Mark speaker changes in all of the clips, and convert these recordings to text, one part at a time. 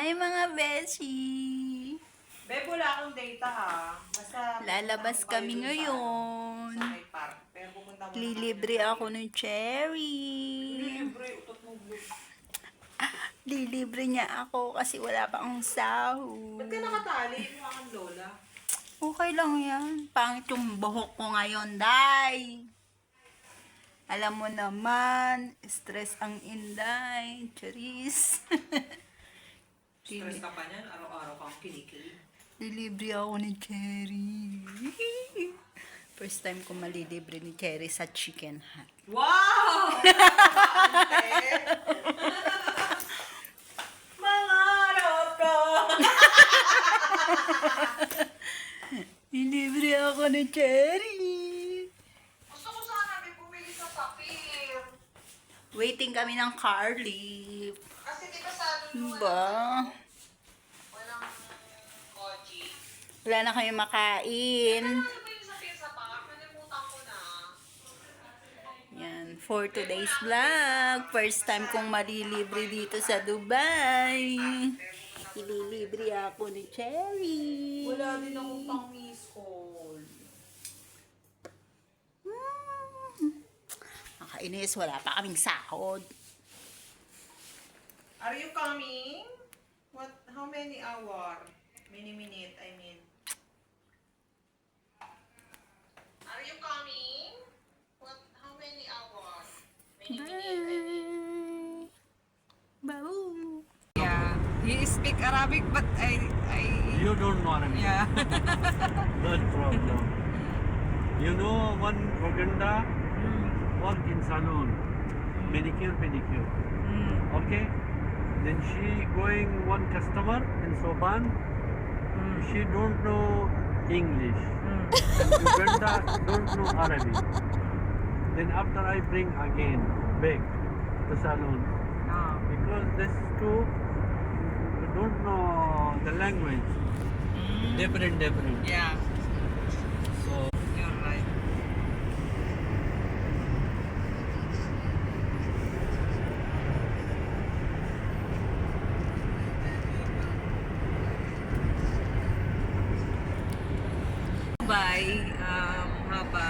Speaker 1: Hi mga beshi!
Speaker 2: Beb, wala akong data ha. Basta
Speaker 1: Lalabas
Speaker 2: pupunta
Speaker 1: kami
Speaker 2: kayo dun
Speaker 1: ngayon.
Speaker 2: Sa may park. Pero pupunta muna
Speaker 1: Lilibre
Speaker 2: kami.
Speaker 1: ako ng cherry.
Speaker 2: Lilibre, utot mo blue.
Speaker 1: Lilibre niya ako kasi wala pa akong sahod.
Speaker 2: Ba't ka nakatali? Mukha kang lola.
Speaker 1: Okay lang yan. Pangit yung buhok ko ngayon, day. Alam mo naman, stress ang inday. Charis.
Speaker 2: Stress ka pa niyan. Araw-araw kang kinikilig.
Speaker 1: Lilibre ako ni Cherry. First time ko malilibre ni Cherry sa Chicken Hut.
Speaker 2: Wow! Ante! Mangarap ka!
Speaker 1: Lilibre ako ni Cherry.
Speaker 2: Gusto ko sana may bumili sa Sapir.
Speaker 1: Waiting kami ng car lift.
Speaker 2: Kasi di ba sa ano
Speaker 1: Ba?
Speaker 2: walang koji.
Speaker 1: Wala na kami makain.
Speaker 2: Ano ba yung Sapir sa park? Nalimutan ko na.
Speaker 1: Yan, for today's vlog. First time kong malilibre dito sa Dubai. Ililibre ako ni Cherry.
Speaker 2: Wala din akong pang miss call.
Speaker 1: Nakainis, wala pa kaming sahod.
Speaker 2: Are you coming? What? How many hour? Many minute, I mean. Are you coming? What? How many hour? Many minute, I mean.
Speaker 1: Bye. Bye.
Speaker 2: Yeah, he speak Arabic, but I.
Speaker 3: You don't know Arabic.
Speaker 2: Yeah.
Speaker 3: That's problem. You know one Uganda work in salon, manicure, pedicure. Okay. Then she going one customer in Soban. She don't know English. And Uganda don't know Arabic. Then after I bring again back to salon because this two don't know the language. Different.
Speaker 2: Yeah,
Speaker 3: So
Speaker 2: you're right. Dubai have a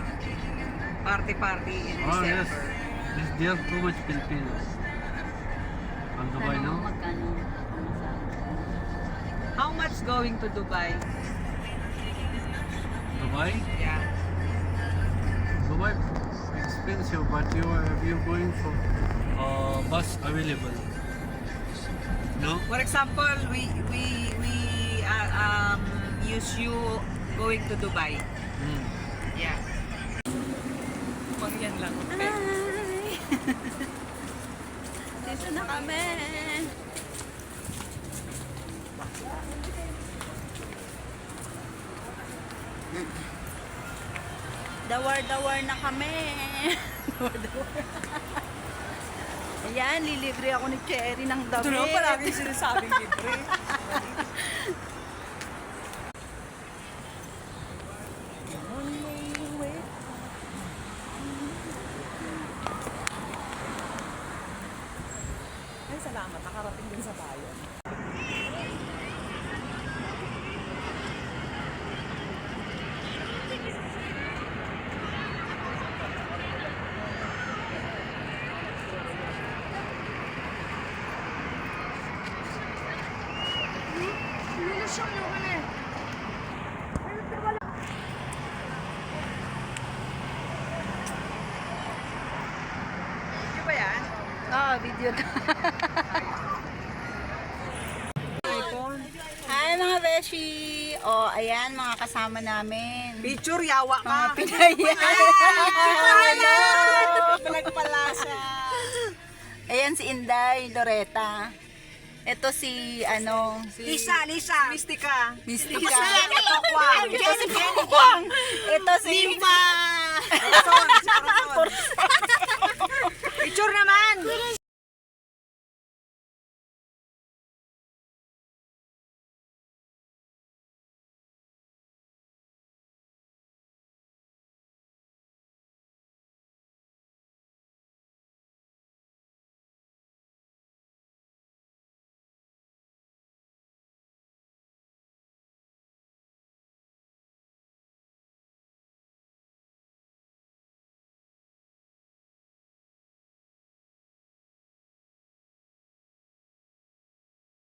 Speaker 2: party in
Speaker 3: oh
Speaker 2: December.
Speaker 3: yes, there's too much Filipinos. On Dubai now.
Speaker 1: Magkano?
Speaker 2: How much going to Dubai?
Speaker 3: Dubai,
Speaker 2: Yeah.
Speaker 3: Dubai expensive, but you're going for bus available. No.
Speaker 2: For example, we use you going to Dubai. Yeah. Pag yan lang. Okay.
Speaker 1: Hi! Dito na kami. Dawar-dawar na kami. Dawar-dawar. Ayan, lilibre ako ni Cherry ng damit.
Speaker 2: Ito naman palagi sinasabing libre. Ay, salamat. Nakarating din sa bayan. Di ba yan?
Speaker 1: Oo, video na.
Speaker 2: iPhone.
Speaker 1: Hi mga beshi! O, ayan mga kasama namin.
Speaker 2: Picture, yawa
Speaker 1: Mga
Speaker 2: ka.
Speaker 1: Pinayan.
Speaker 2: Pinagpalasa.
Speaker 1: Ayan si Inday, Loretta. Ito si,
Speaker 2: Lisa. Mystica.
Speaker 1: Mystica.
Speaker 2: Pakwang.
Speaker 1: Ito si Pakwang. Ito si...
Speaker 2: Corazon. Picture naman.